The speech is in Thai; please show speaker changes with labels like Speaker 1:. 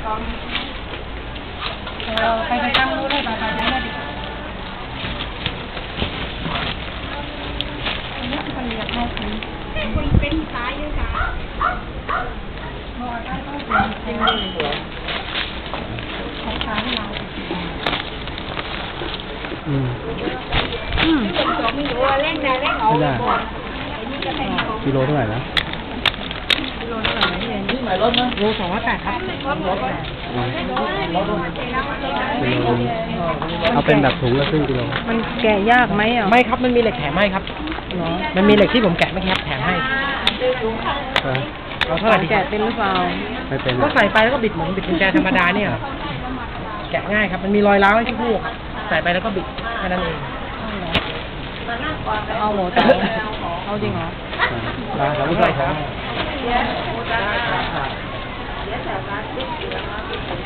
Speaker 1: ไปตั้งรู้ได้ป่ะไปได้ดินี่คือคนเรียกให้คุณคนเป็นตายเยอะจ้ะบอกได้ก็เป็นของค้าที่เรา
Speaker 2: กิโลเท่าไหร่นะ
Speaker 1: โล280ครับ
Speaker 2: เอาเป็นแบบถุงละครึ่งกิโล
Speaker 1: มันแกะยากไหมอ่ะ
Speaker 3: ไม่ครับมันมีเหล็กแถมให้ครับมันมีเหล็กที่ผมแกะไม่ครับแถมให้เราเท่าไหร่
Speaker 1: แกะเป็นหรือเปล่า
Speaker 2: ไม่เป็น
Speaker 3: ก็ใส่ไปแล้วก็บิดเหมือนบิดกุญแจธรรมดาเนี่ยแกะง่ายครับมันมีรอยร้าวให้ที่พวกใส่ไปแล้วก็บิดแค่นั้นเอง
Speaker 1: เอาหมดเอาจริงเหรอ
Speaker 3: เราไม่ใส่ครับ